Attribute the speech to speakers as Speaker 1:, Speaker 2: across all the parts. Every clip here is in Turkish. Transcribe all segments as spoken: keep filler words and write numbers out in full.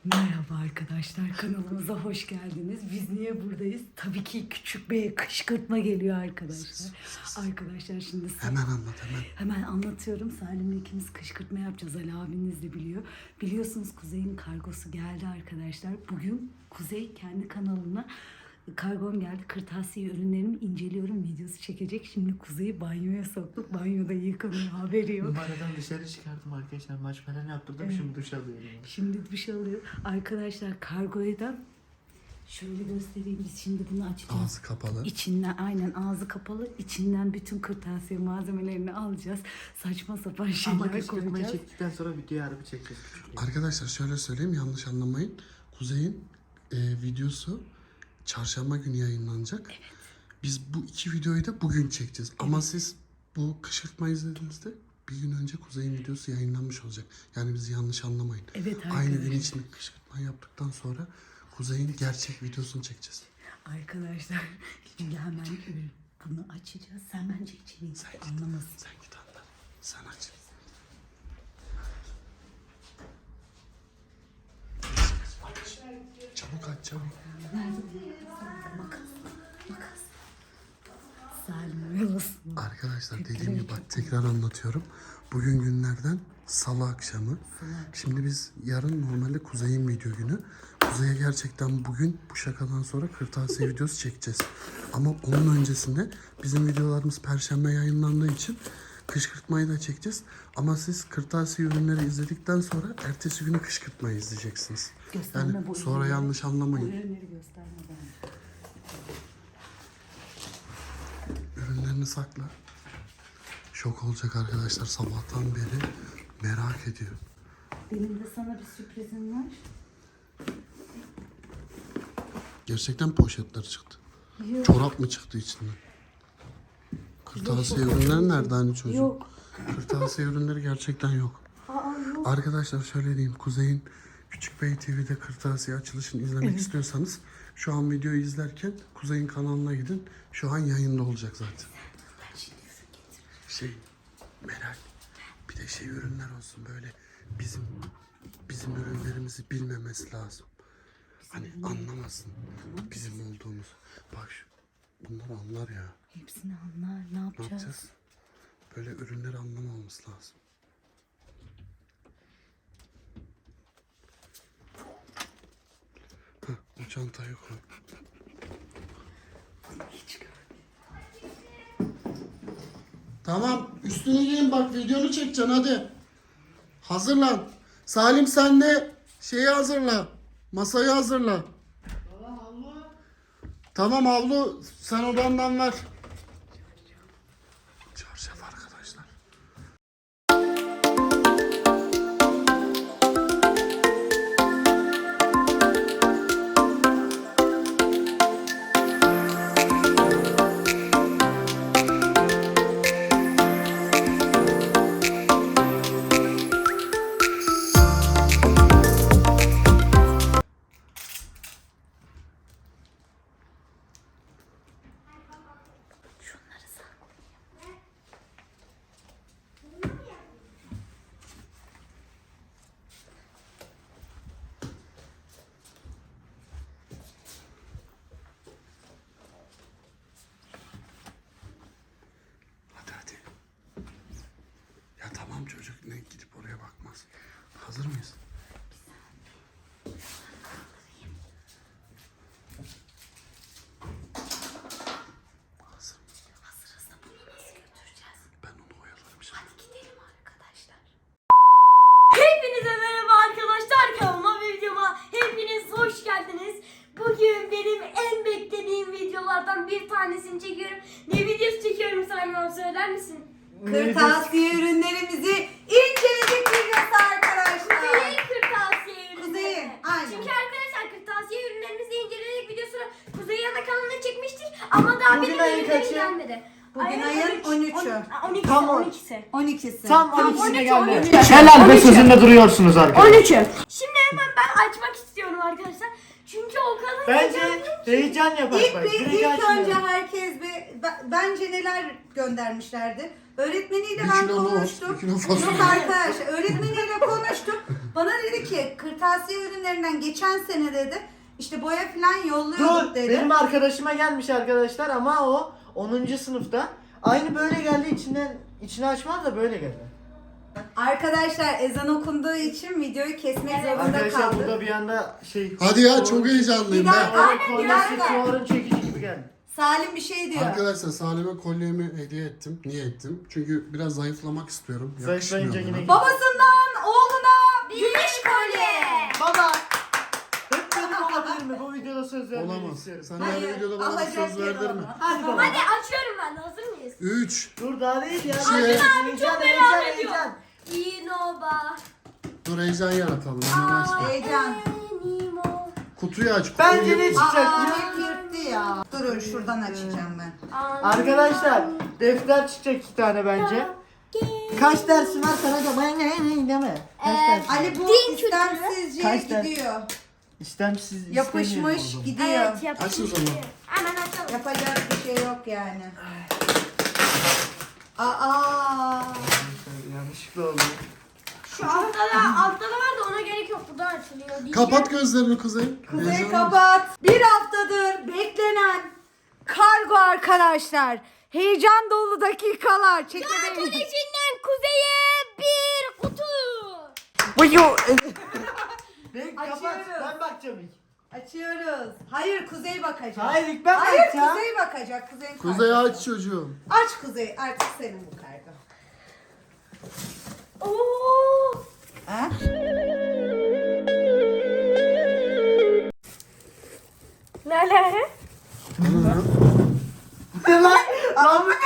Speaker 1: Merhaba arkadaşlar, kanalımıza hoş geldiniz. Biz niye buradayız? Tabii ki Küçük Bey'e kışkırtma geliyor arkadaşlar. Arkadaşlar şimdi
Speaker 2: hemen anlat hemen.
Speaker 1: Hemen anlatıyorum. Salim'le ikimiz kışkırtma yapacağız. Ali abiniz de biliyor. Biliyorsunuz Kuzey'in kargosu geldi arkadaşlar. Bugün Kuzey kendi kanalına kargom geldi. Kırtasiye ürünlerimi inceliyorum. Videosu çekecek. Şimdi Kuzey'i banyoya soktuk. Banyoda yıkanıyor. Haberi yok.
Speaker 3: Numaradan dışarı çıkardım arkadaşlar. Maç falan yaptırdım. Evet. Şimdi duş alıyorum.
Speaker 1: Şimdi duş alıyor. Arkadaşlar kargoyu da şöyle göstereyim. Biz şimdi bunu açacağız.
Speaker 2: Ağzı kapalı.
Speaker 1: İçinden aynen ağzı kapalı. İçinden bütün kırtasiye malzemelerini alacağız. Saçma sapan şeyler
Speaker 3: Ama kışkırtmayı
Speaker 1: koyacağız.
Speaker 3: çektikten sonra videoyu harbi çekeceğiz.
Speaker 2: Arkadaşlar şöyle söyleyeyim, yanlış anlamayın. Kuzey'in e, videosu çarşamba günü yayınlanacak. Evet. Biz bu iki videoyu da bugün çekeceğiz. Evet. Ama siz bu kışkırtma izlediğinizde bir gün önce Kuzey'in videosu yayınlanmış olacak. Yani bizi yanlış anlamayın.
Speaker 1: Evet arkadaşlar.
Speaker 2: Aynı gün içinde kışkırtma yaptıktan sonra Kuzey'in gerçek videosunu çekeceğiz.
Speaker 1: Arkadaşlar şimdi hemen bunu açacağız. Sen bence içeriği
Speaker 2: Sen git,
Speaker 1: anlamasın.
Speaker 2: sen git anla. Sen aç. Çabuk aç çabuk.
Speaker 1: Makas. Makas. Salim oyalasın.
Speaker 2: Arkadaşlar dediğim gibi bak tekrar anlatıyorum. Bugün günlerden salı akşamı. Şimdi biz yarın normalde Kuzey'in video günü. Kuzey'e gerçekten bugün bu şakadan sonra kırtasiye videosu çekeceğiz. Ama onun öncesinde bizim videolarımız perşembe yayınlandığı için kışkırtmayı da çekeceğiz. Ama siz kırtasiye ürünleri izledikten sonra ertesi günü kışkırtmayı izleyeceksiniz.
Speaker 1: Gösterme
Speaker 2: Yani
Speaker 1: bu
Speaker 2: sonra
Speaker 1: ürünleri.
Speaker 2: yanlış anlamayın.
Speaker 1: Bu ürünleri gösterme bence.
Speaker 2: Ürünlerini sakla. Şok olacak arkadaşlar, sabahtan beri merak ediyor.
Speaker 1: Benim de sana bir sürprizim var.
Speaker 2: Gerçekten poşetler çıktı.
Speaker 1: Yok.
Speaker 2: Çorap mı çıktı içinden? Kırtasiye ürünleri nerede hani çocuk?
Speaker 1: Yok.
Speaker 2: Kırtasiye ürünleri gerçekten yok.
Speaker 1: Aa yok.
Speaker 2: Arkadaşlar şöyle diyeyim. Kuzey'in Küçük Bey T V'de kırtasiye açılışını izlemek
Speaker 1: Evet.
Speaker 2: istiyorsanız şu an videoyu izlerken Kuzey'in kanalına gidin. Şu an yayında olacak zaten.
Speaker 1: Ben şimdi ürün getiririm.
Speaker 2: Şey Meral, bir de şey ürünler olsun böyle bizim bizim ürünlerimizi bilmemesi lazım. Hani anlamasın bizim olduğumuz. Bak şu bunlar anlar ya.
Speaker 1: Hepsini anlar. Ne
Speaker 2: Ne
Speaker 1: yapacağız?
Speaker 2: yapacağız? Böyle ürünleri anlamamız lazım. Hah, o çantayı koy.
Speaker 1: Hiç görmedim.
Speaker 2: Tamam, üstünü giyin bak, videonu çekeceksin hadi. Hazırlan. Salim sen de şeyi hazırla. Masayı hazırla. Tamam havlu. Tamam havlu sen odandan ver. Çarşaf arkadaşlar.
Speaker 1: Şunları saklayayım.
Speaker 2: Hadi hadi. Ya tamam çocuk ne gidip oraya bakmaz. Hazır mıyız? Hazır.
Speaker 1: Hazırız da bunu nasıl götüreceğiz?
Speaker 2: Ben onu oyalarım şimdi.
Speaker 1: Hadi gidelim arkadaşlar.
Speaker 4: Hepinize merhaba arkadaşlar, kanalıma ve videoma hepiniz hoş geldiniz. Bugün benim en beklediğim videolardan bir tanesini çekiyorum. Ne videosu çekiyorum sana, söyler misin?
Speaker 5: Kırtasiye ürünlerimizi inceledik videosu arkadaşlar.
Speaker 4: Kuzey'in kırtasiye ürünleri.
Speaker 5: Kuzey'in, aynen.
Speaker 4: Çünkü arkadaşlar kırtasiye ürünlerimizi inceledik videosunu Kuzey'in ana kanalına çekmiştik ama daha
Speaker 3: Bugün
Speaker 4: benim
Speaker 3: ayın
Speaker 4: ürünlerim
Speaker 3: kaçı?
Speaker 4: gelmedi.
Speaker 5: Bugün ayın on üçü.
Speaker 4: on ikisi,
Speaker 3: Tam on-
Speaker 4: on ikisi.
Speaker 5: on ikisi.
Speaker 3: Tam on
Speaker 4: on
Speaker 3: ikisine
Speaker 4: üç,
Speaker 3: geldi.
Speaker 4: on üç.
Speaker 3: Helal
Speaker 4: on
Speaker 3: be
Speaker 4: üç.
Speaker 3: sözünde duruyorsunuz arkadaşlar.
Speaker 4: on üçü. Şimdi hemen ben açmak istiyorum arkadaşlar. Çünkü o kadar
Speaker 3: Bence
Speaker 4: heyecanlıyım ki.
Speaker 3: heyecan yapar
Speaker 5: İlk,
Speaker 3: bak.
Speaker 5: bir,
Speaker 3: Direkt
Speaker 5: ilk
Speaker 3: açmayalım.
Speaker 5: önce herkes bir, b- bence neler göndermişlerdi. Öğretmeniyle
Speaker 2: Bir
Speaker 5: ben
Speaker 2: kilo nohut,
Speaker 5: konuştum.
Speaker 2: bir kilo fasulye.
Speaker 5: Yok arkadaşlar, öğretmeniyle konuştum. Bana dedi ki kırtasiye ürünlerinden geçen sene dedi işte boya falan yolluyorduk
Speaker 3: Dur,
Speaker 5: dedi.
Speaker 3: benim arkadaşıma gelmiş arkadaşlar ama o onuncu sınıfta. Aynı böyle geldi, içinden içini açmaz da böyle geldi.
Speaker 5: Arkadaşlar ezan okunduğu için videoyu kesmek zorunda
Speaker 3: Arkadaşlar
Speaker 5: kaldık.
Speaker 3: burada bir anda şey...
Speaker 2: Hadi ya çok heyecanlıyım
Speaker 5: Bir
Speaker 2: ben.
Speaker 5: dakika. Aynen,
Speaker 3: Kolye
Speaker 5: bir dakika.
Speaker 3: sıkıyorum, çekici gibi geldi.
Speaker 5: Salim bir şey diyor.
Speaker 2: Arkadaşlar Salim'e kolyemi hediye ettim. Niye ettim? Çünkü biraz zayıflamak istiyorum.
Speaker 3: Zayıflayınca
Speaker 2: Yakışmıyor
Speaker 3: yine
Speaker 2: bana.
Speaker 5: Babasından oğluna gümüş kolye.
Speaker 3: Baba! Hep benim olabilir mi? Bu videoda söz vermek
Speaker 2: Olamaz.
Speaker 3: istiyorum.
Speaker 2: Sen
Speaker 5: Hayır,
Speaker 2: her videoda bana
Speaker 5: alacak
Speaker 2: söz
Speaker 5: yer
Speaker 2: verdin mi?
Speaker 5: olmaz.
Speaker 3: Hadi baba.
Speaker 4: Hadi açıyorum ben de, hazır mıyız?
Speaker 2: üç.
Speaker 3: Dur daha değil ya.
Speaker 2: şey-
Speaker 3: Heyecan,
Speaker 4: Çok
Speaker 3: heyecan,
Speaker 4: merak
Speaker 3: heyecan,
Speaker 4: ediyorum.
Speaker 3: heyecan.
Speaker 4: İnoba.
Speaker 2: Dur heyecan yaratalım. Hemen açma.
Speaker 5: Heyecan.
Speaker 4: Enimo.
Speaker 2: Kutuyu aç. Kutuyu.
Speaker 3: Bence ne çıkacak?
Speaker 5: Aa,
Speaker 3: ya?
Speaker 5: hep yırttı ya. Durun şuradan açacağım ben.
Speaker 3: Arkadaşlar defter çıkacak iki tane bence. Kaç dersin var sana da ben ne deme. Kaç
Speaker 4: Ee,
Speaker 3: dersin?
Speaker 5: Ali bu
Speaker 4: Din kültürü.
Speaker 5: istemsizce
Speaker 3: Kaç tane?
Speaker 5: gidiyor.
Speaker 3: İstemsiz
Speaker 5: Yapışmış
Speaker 3: istemiyorum o
Speaker 5: gidiyor.
Speaker 4: Evet, yapalım.
Speaker 2: Aç o zaman.
Speaker 4: Hemen açalım.
Speaker 5: Yapacak bir şey yok yani. Aa.
Speaker 3: zaman. Yanlışlıkla oldu.
Speaker 4: Şu altta da, altta da var da ona gerek yok. Buradan açılıyor diyeceğim.
Speaker 2: Kapat gözlerini Kuzey.
Speaker 5: Kuzey
Speaker 2: Heyecanlı.
Speaker 5: kapat. Bir haftadır beklenen kargo arkadaşlar. Heyecan dolu dakikalar. Çekmedeyiz.
Speaker 4: Kolejinden kuzeye bir kutu.
Speaker 3: Ben kapat.
Speaker 5: Açıyoruz.
Speaker 3: Ben bakacağım ilk.
Speaker 5: Açıyoruz. Hayır Kuzey bakacak.
Speaker 3: Hayır ilk ben
Speaker 5: Hayır
Speaker 3: bakacağım.
Speaker 5: Kuzey bakacak. Kuzey'in
Speaker 2: Kuzey
Speaker 5: kargosu.
Speaker 2: aç çocuğum.
Speaker 5: Aç Kuzey. Artık senin bu kargo.
Speaker 4: Oo.
Speaker 5: Ha?
Speaker 4: Ne alaka?
Speaker 3: Ne lan? Lan bu ne?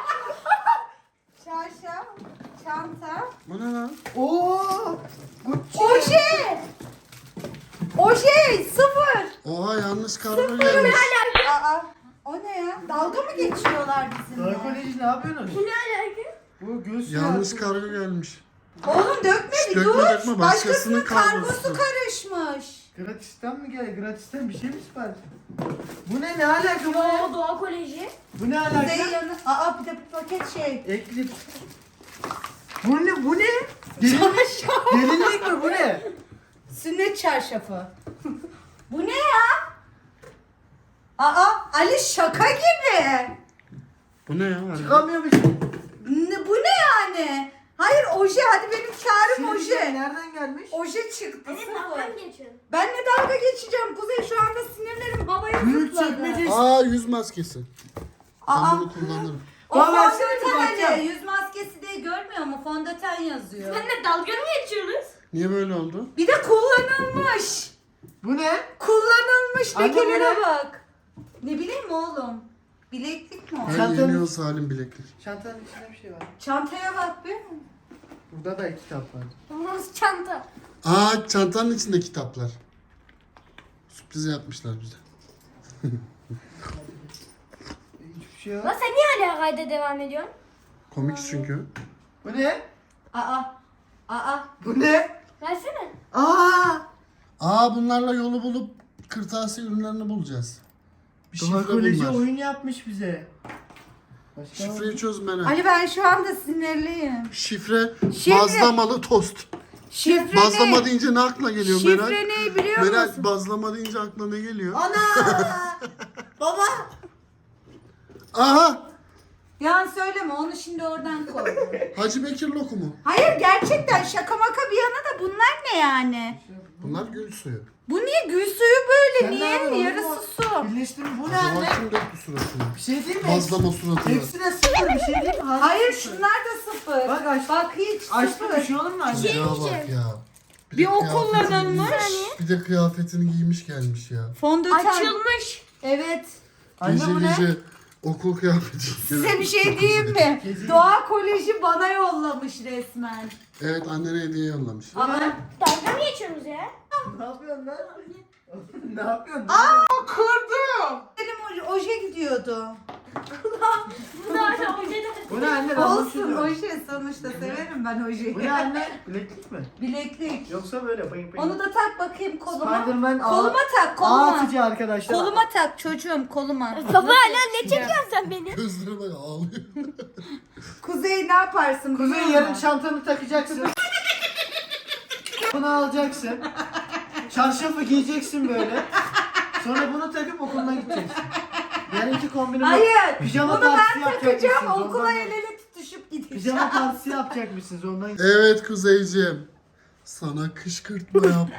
Speaker 5: Çarşaf, çanta,
Speaker 2: Bu ne lan?
Speaker 3: Oo!
Speaker 5: oje. Oje sıfır.
Speaker 2: Oha yanlış kargo gelmiş.
Speaker 5: Aa, o ne ya? Dalga mı geçiyorlar bizimle?
Speaker 3: Narkoloji ne yapıyorsunuz?
Speaker 4: Bu ne alaka?
Speaker 3: Bu göğüs
Speaker 2: Yanlış
Speaker 3: yağı.
Speaker 2: kargo gelmiş.
Speaker 5: Oğlum dökme
Speaker 2: Şş,
Speaker 5: bir
Speaker 2: dökme,
Speaker 5: dur.
Speaker 2: dökme, başkasının
Speaker 5: kargosu
Speaker 2: kargosu.
Speaker 5: karışmış.
Speaker 3: Gratisten mi geldi? Gratisten bir şey mi sipariş? Bu ne? Ne alaka bu ne?
Speaker 4: Oo, Doğa Koleji.
Speaker 3: Bu ne
Speaker 5: Kuzey
Speaker 3: alaka?
Speaker 5: yanı. Aa bir de bir paket şey.
Speaker 3: Eklip. Bu ne? Bu ne? Gelinlik, gelinlik mi? Bu ne?
Speaker 5: Sünnet çarşafı. Bu ne ya? Aa Ali şaka gibi.
Speaker 2: Bu ne ya? Harbi?
Speaker 3: Çıkamıyor bir şey.
Speaker 5: Ne, bu ne yani? Hayır oje hadi benim karım
Speaker 3: Şimdi
Speaker 5: oje.
Speaker 3: nereden gelmiş?
Speaker 5: Oje çıktı
Speaker 4: Evet,
Speaker 5: sıfır.
Speaker 4: dalgan geçiyorum.
Speaker 5: Ben ne dalga geçeceğim Kuzey şu anda sinirlerim babaya
Speaker 3: Büyük
Speaker 5: zıpladı.
Speaker 3: çekmece.
Speaker 2: Aa yüz maskesi. Ben
Speaker 5: Aa
Speaker 2: bunu kullanırım.
Speaker 5: o
Speaker 3: Baba, versene bir
Speaker 5: fondöten
Speaker 3: bakacağım.
Speaker 5: Ali yüz maskesi diye görmüyor mu? Fondöten yazıyor.
Speaker 4: Sen de dalga mı geçiyorsunuz?
Speaker 2: Niye böyle oldu?
Speaker 5: Bir de kullanılmış.
Speaker 3: Bu ne?
Speaker 5: Kullanılmış
Speaker 3: Anne, bu
Speaker 5: lekelere
Speaker 3: ne?
Speaker 5: bak. Ne bileyim oğlum. Bileklik mi o?
Speaker 2: Her
Speaker 3: Çantanın-
Speaker 2: yeniyor Salim bileklik.
Speaker 3: Çantanın içinde bir şey var.
Speaker 5: Çantaya bak be.
Speaker 3: Burada da kitap var.
Speaker 4: Nasıl çanta?
Speaker 2: Aa çantanın içinde kitaplar. Sürpriz yapmışlar bize.
Speaker 3: Hiçbir şey yok.
Speaker 4: Lan sen niye hala kayda devam ediyorsun?
Speaker 2: Komik çünkü.
Speaker 3: Bu ne?
Speaker 5: Aa. Aa.
Speaker 3: Bu ne?
Speaker 4: Versene.
Speaker 3: Aa!
Speaker 2: Aa bunlarla yolu bulup kırtasiye ürünlerini bulacağız. Bir şifre
Speaker 3: Narkoloji
Speaker 2: bunlar.
Speaker 3: oyun yapmış bize. Başka
Speaker 2: Şifreyi çözmene.
Speaker 5: Ali ben şu anda sinirliyim.
Speaker 2: Şifre,
Speaker 5: Şifre-
Speaker 2: bazlamalı tost.
Speaker 5: Şifre
Speaker 2: Bazlama
Speaker 5: ne?
Speaker 2: deyince ne aklına geliyor Meral?
Speaker 5: Şifre ne biliyor
Speaker 2: Meral
Speaker 5: musun?
Speaker 2: bazlama deyince aklına ne geliyor?
Speaker 3: Ana! Baba!
Speaker 2: Aha!
Speaker 5: Yan söyleme onu şimdi oradan koy.
Speaker 2: Hacı Bekir lokumu.
Speaker 5: Hayır gerçekten şaka maka bir yana da bunlar ne yani?
Speaker 2: Bunlar gül suyu.
Speaker 5: Bu niye gül suyu böyle?
Speaker 3: Sen ne
Speaker 5: niye?
Speaker 3: yapıyorsun?
Speaker 5: Yarısı su.
Speaker 3: Birleştirme bu ne
Speaker 2: Acaba
Speaker 3: anne?
Speaker 2: kim döktü suratına?
Speaker 3: Bir şey değil mi?
Speaker 2: Bazlama suratına.
Speaker 3: Hepsi de sıfır bir şey değil mi?
Speaker 5: Hayır
Speaker 3: sıfır.
Speaker 5: şunlar da sıfır.
Speaker 3: Bak aç.
Speaker 5: Bak hiç
Speaker 3: Açtı bir
Speaker 5: sıfır.
Speaker 3: şey olur mu anne?
Speaker 2: Ya bak ya.
Speaker 5: Bir
Speaker 2: de
Speaker 5: o
Speaker 2: kıyafetini
Speaker 5: kullanılmış.
Speaker 2: giymiş, Bir de kıyafetini giymiş gelmiş ya.
Speaker 5: Fondöten.
Speaker 4: Açılmış.
Speaker 5: Evet.
Speaker 3: Anne
Speaker 2: Gece
Speaker 3: bu ne?
Speaker 2: gece okul kıyafeti.
Speaker 5: Size bir şey diyeyim mi?
Speaker 3: Gezi-
Speaker 5: Doğa Koleji bana yollamış resmen.
Speaker 2: Evet annene hediye yollamış.
Speaker 5: Aa,
Speaker 4: Dalga mı geçiyorsunuz ya?
Speaker 3: Ne yapıyorsun lan? Ne yapıyorsun?
Speaker 5: kırdım. Benim oj- oje gidiyordu.
Speaker 4: Bu da hala ojeden.
Speaker 3: Bu ne anne? Ben
Speaker 5: Olsun
Speaker 3: bunu
Speaker 5: oje sonuçta severim ben ojeyi.
Speaker 3: Bu ne anne? Bileklik mi?
Speaker 5: Bileklik.
Speaker 3: Yoksa böyle bayım bayım.
Speaker 5: Onu da tak bakayım koluma.
Speaker 3: Spiderman
Speaker 5: Koluma tak
Speaker 3: ağ
Speaker 5: koluma.
Speaker 3: atıcı arkadaşlar.
Speaker 5: Koluma tak çocuğum koluma.
Speaker 4: Baba hala ne çekiyorsun sen beni?
Speaker 2: Gözlerine bak ağlıyor.
Speaker 5: Kuzey ne yaparsın?
Speaker 3: Kuzey
Speaker 5: biliyor
Speaker 3: yarın
Speaker 5: musun?
Speaker 3: çantanı takacaksın. Bunu alacaksın. Çarşafı giyeceksin böyle. Sonra bunu takıp okuluna gideceksin. Yarınki kombinimi
Speaker 5: Hayır.
Speaker 3: pijama
Speaker 5: Bunu
Speaker 3: partisi
Speaker 5: ben
Speaker 3: yapacakmışsınız.
Speaker 5: takacağım. Okula
Speaker 3: Ondan-
Speaker 5: el ele tutuşup gideceğim.
Speaker 3: Pijama partisi yapacakmışsınız ondan.
Speaker 2: Evet Kuzeyciğim. Sana kışkırtma yaptım.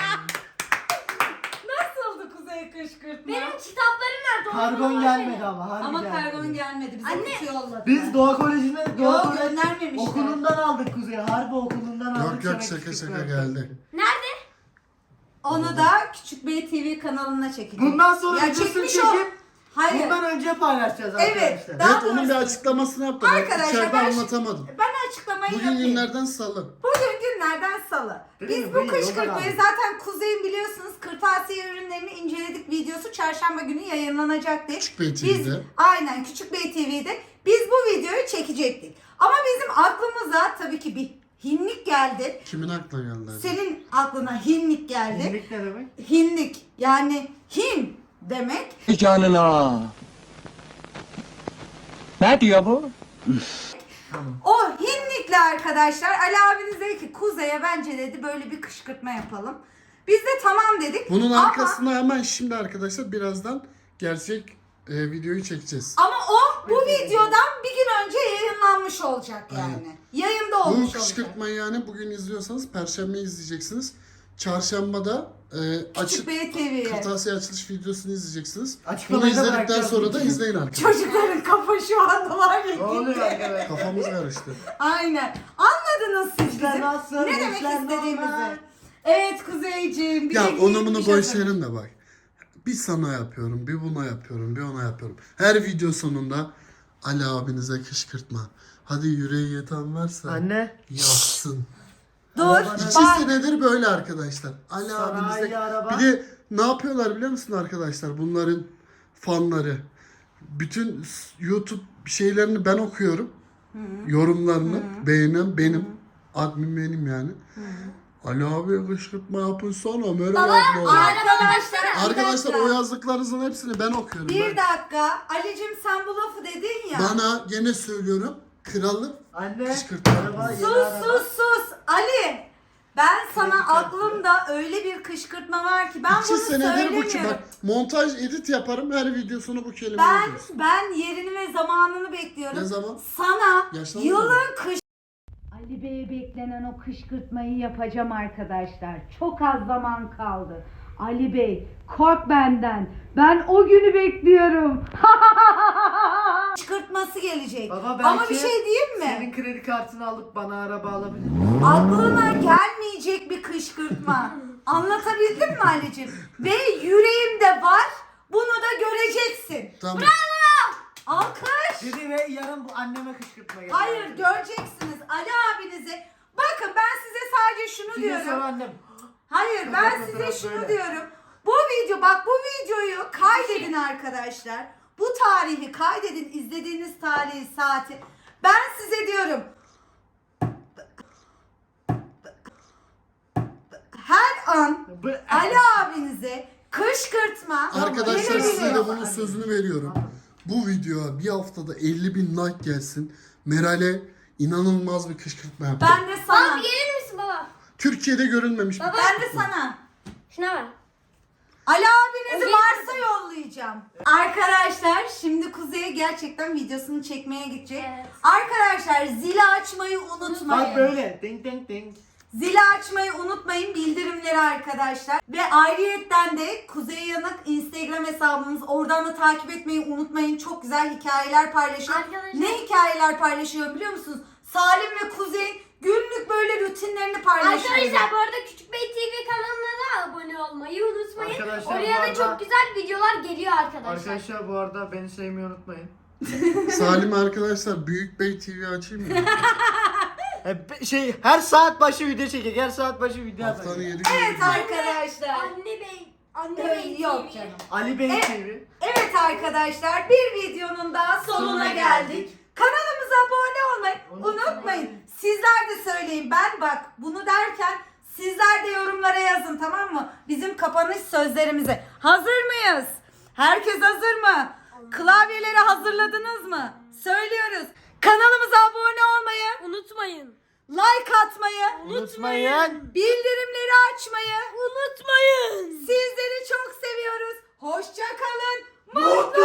Speaker 5: Nasıldı Kuzey kışkırtma?
Speaker 4: Benim kitaplarım nerede?
Speaker 3: Kargon
Speaker 4: Onları
Speaker 3: gelmedi
Speaker 4: versene.
Speaker 3: ama. Harbi
Speaker 5: Ama
Speaker 3: gelmedi.
Speaker 5: kargon gelmedi. Bize
Speaker 4: Anne.
Speaker 5: kutu yolladı.
Speaker 3: Biz Doğa Koleji'ne Doğa
Speaker 5: Yok
Speaker 3: Koleji
Speaker 5: göndermemişler.
Speaker 3: okulundan aldık Kuzey. Harbi okulundan aldık.
Speaker 2: yok yok
Speaker 3: sana
Speaker 2: şaka
Speaker 3: kışkırtma
Speaker 2: şaka
Speaker 3: yaptık.
Speaker 2: geldi.
Speaker 4: Nerede?
Speaker 5: Onu da Küçük Bey T V kanalına çekeceğiz.
Speaker 3: Bundan sonra
Speaker 5: Ya
Speaker 3: videosunu
Speaker 5: çekmiş
Speaker 3: çekip
Speaker 5: o. Hayır.
Speaker 3: bundan önce paylaşacağız
Speaker 5: Evet,
Speaker 3: arkadaşlar.
Speaker 5: daha
Speaker 2: Evet onun bir
Speaker 5: doğrusu-
Speaker 2: açıklamasını yaptım. Ben
Speaker 5: Arkadaşlar,
Speaker 2: içeride
Speaker 5: ben-
Speaker 2: anlatamadım.
Speaker 5: Ben açıklamayı
Speaker 2: Bugün
Speaker 5: yapayım.
Speaker 2: günlerden salı.
Speaker 5: Bugün günlerden salı.
Speaker 3: Değil
Speaker 5: Biz
Speaker 3: mi?
Speaker 5: bu
Speaker 3: Bu iyi, o da
Speaker 5: kışkırtmayı
Speaker 3: lazım.
Speaker 5: zaten Kuzey'in biliyorsunuz kırtasiye ürünlerini inceledik videosu çarşamba günü yayınlanacaktı.
Speaker 2: Küçük Bey
Speaker 5: Biz,
Speaker 2: T V'de.
Speaker 5: aynen Küçük Bey T V'de biz bu videoyu çekecektik. Ama bizim aklımıza tabii ki bir hinlik geldi.
Speaker 2: Kimin aklına geldi? acaba?
Speaker 5: Senin aklına hinlik geldi.
Speaker 3: Hinlik ne demek?
Speaker 5: Hinlik yani hin demek.
Speaker 6: Canına. Ne diyor bu?
Speaker 5: O hinlikle arkadaşlar Ali abiniz dedi ki Kuzey'e bence dedi böyle bir kışkırtma yapalım. Biz de tamam dedik.
Speaker 2: Bunun
Speaker 5: Ama-
Speaker 2: arkasına hemen şimdi arkadaşlar birazdan gerçek e, videoyu çekeceğiz.
Speaker 5: Ama o bu videodan bir gün önce yayınlanmış olacak yani. Yayında
Speaker 2: Bu
Speaker 5: olmuş olacak.
Speaker 2: kışkırtmayı yani bugün izliyorsanız Perşembe izleyeceksiniz. Çarşambada e,
Speaker 5: Küçük
Speaker 2: açık
Speaker 5: Bey T V'ye.
Speaker 2: kırtasiye açılış videosunu izleyeceksiniz. Bunu
Speaker 3: Açıklamayı da
Speaker 2: izledikten
Speaker 3: bırakacağız
Speaker 2: sonra da
Speaker 3: çünkü.
Speaker 2: izleyin arkadaşlar.
Speaker 5: Çocukların kafa şu anda var ya.
Speaker 3: Ne oluyor
Speaker 5: gitti.
Speaker 3: arkadaşlar?
Speaker 2: Kafamız karıştı.
Speaker 5: Aynen. Anladınız siz
Speaker 3: İşler
Speaker 5: bizim
Speaker 3: nasıl,
Speaker 5: ne demek
Speaker 3: işler normal.
Speaker 5: istediğimizi. Evet Kuzeyciğim. bir
Speaker 2: Ya
Speaker 5: de
Speaker 2: onu bunu
Speaker 5: giyinmiş
Speaker 2: boş
Speaker 5: hazır.
Speaker 2: verin de bak. Bir sana yapıyorum, bir buna yapıyorum, bir ona yapıyorum. Her video sonunda Ali abinize kışkırtma. Hadi yüreği yeten varsa
Speaker 3: Anne.
Speaker 2: yapsın.
Speaker 5: Dur.
Speaker 2: İki
Speaker 5: Bak.
Speaker 2: senedir böyle arkadaşlar. Ali
Speaker 3: Sanayi
Speaker 2: abinize.
Speaker 3: araba.
Speaker 2: Bir de ne yapıyorlar biliyor musun arkadaşlar? Bunların fanları. Bütün YouTube şeylerini ben okuyorum. Yorumlarını beğenen benim. Admin benim yani. Ali abi kışkırtma yapın sonra merhaba abla.
Speaker 5: Arkadaşlar. bir
Speaker 2: Arkadaşlar
Speaker 5: dakika.
Speaker 2: o yazdıklarınızın hepsini ben okuyorum.
Speaker 5: Bir
Speaker 2: ben.
Speaker 5: dakika. Ali'cim sen bu lafı dedin ya.
Speaker 2: Bana gene söylüyorum. Kralım.
Speaker 3: Anne.
Speaker 2: Kışkırtma.
Speaker 3: Araba, yeni
Speaker 5: Sus
Speaker 3: araba.
Speaker 5: sus sus. Ali. Ben sana
Speaker 3: Kredi kartı.
Speaker 5: aklımda öyle bir kışkırtma var ki ben
Speaker 2: İki
Speaker 5: bunu
Speaker 2: senedir bu
Speaker 5: söylemiyorum.
Speaker 2: ki bak montaj edit yaparım her videosunu bu kelime
Speaker 5: Ben
Speaker 2: ediyorsun.
Speaker 5: ben yerini ve zamanını bekliyorum.
Speaker 2: Ne zaman?
Speaker 5: Sana
Speaker 2: Yaşlandın
Speaker 5: yılın kış
Speaker 1: Ali Bey'e beklenen o kışkırtmayı yapacağım arkadaşlar. Çok az zaman kaldı. Ali Bey kork benden. Ben o günü bekliyorum.
Speaker 5: kışkırtması gelecek.
Speaker 3: Baba belki
Speaker 5: Ama bir şey diyeyim mi?
Speaker 3: senin kredi kartını alıp bana araba alabilir.
Speaker 5: Aklına gelmeyecek bir kışkırtma. Anlatabildim mi Ali'cim? Ve yüreğimde var. Bunu da göreceksin.
Speaker 2: Tamam.
Speaker 5: Alkış.
Speaker 3: Dedi ve yarın bu anneme kışkırtma geldi.
Speaker 5: Hayır göreceksiniz Ali abinize. Bakın ben size sadece şunu
Speaker 3: Şimdi sonra
Speaker 5: diyorum.
Speaker 3: annem.
Speaker 5: Hayır
Speaker 3: Çok
Speaker 5: ben
Speaker 3: çok
Speaker 5: size
Speaker 3: fotoğraf
Speaker 5: şunu
Speaker 3: böyle.
Speaker 5: diyorum. Bu video bak bu videoyu kaydedin arkadaşlar. Bu tarihi kaydedin izlediğiniz tarihi saati. Ben size diyorum. Her an
Speaker 3: Bu-
Speaker 5: Ali abinize kışkırtma
Speaker 2: Arkadaşlar
Speaker 5: gelebilir.
Speaker 2: size de bunun sözünü veriyorum. Bu videoya bir haftada elli bin like gelsin. Meral'e inanılmaz bir kışkırtma yapacağım.
Speaker 5: Ben de sana.
Speaker 4: Baba gelir misin baba?
Speaker 2: Türkiye'de görülmemiş bir
Speaker 5: Ben
Speaker 2: kışkırtma.
Speaker 5: de sana.
Speaker 4: Şuna bak.
Speaker 5: Ali abinizi
Speaker 4: O
Speaker 5: Mars'a yollayacağım. Arkadaşlar şimdi Kuzey'e gerçekten videosunu çekmeye gidecek.
Speaker 4: Evet.
Speaker 5: Arkadaşlar zili açmayı unutmayın.
Speaker 3: Bak böyle. Ding ding ding.
Speaker 5: Zili açmayı unutmayın bildirimleri arkadaşlar. Ve ayrıyetten de Kuzey Yanık Instagram hesabımız. Oradan da takip etmeyi unutmayın. Çok güzel hikayeler paylaşıyor.
Speaker 4: Arkadaşlar-
Speaker 5: Ne hikayeler paylaşıyor biliyor musunuz? Salim ve Kuzey günlük böyle rutinlerini paylaşıyor.
Speaker 4: Arkadaşlar bu arada Küçük Bey T V kanalına da abone olmayı unutmayın.
Speaker 3: Arkadaşlar,
Speaker 4: Oraya
Speaker 3: bu
Speaker 4: da
Speaker 3: arada-
Speaker 4: çok güzel videolar geliyor arkadaşlar.
Speaker 3: Arkadaşlar bu arada beni sevmeyi unutmayın.
Speaker 2: Salim arkadaşlar Büyük Bey T V açayım mı?
Speaker 3: E, şey her saat başı video çekecek. Her saat başı video
Speaker 2: Haftanın
Speaker 3: atacak.
Speaker 2: yedi günü.
Speaker 5: Evet arkadaşlar.
Speaker 4: Anne Bey. Anne
Speaker 5: Yok,
Speaker 4: Bey
Speaker 5: Yok
Speaker 4: T V.
Speaker 5: canım.
Speaker 3: Ali Bey
Speaker 5: Evet.
Speaker 3: T V.
Speaker 5: Evet arkadaşlar bir videonun daha sonuna,
Speaker 3: Sonuna
Speaker 5: geldik.
Speaker 3: geldik.
Speaker 5: Kanalımıza abone olmayı
Speaker 3: Unutmayın.
Speaker 5: unutmayın. Sizler de söyleyin. Ben bak bunu derken sizler de yorumlara yazın tamam mı? Bizim kapanış sözlerimize. Hazır mıyız? Herkes hazır mı? Klavyeleri hazırladınız mı? Söylüyoruz. Kanalımıza abone olmayı,
Speaker 4: Unutmayın.
Speaker 5: like atmayı,
Speaker 3: Unutmayın.
Speaker 5: bildirimleri açmayı
Speaker 4: Unutmayın.
Speaker 5: sizleri çok seviyoruz. Hoşça kalın.
Speaker 3: Mutlu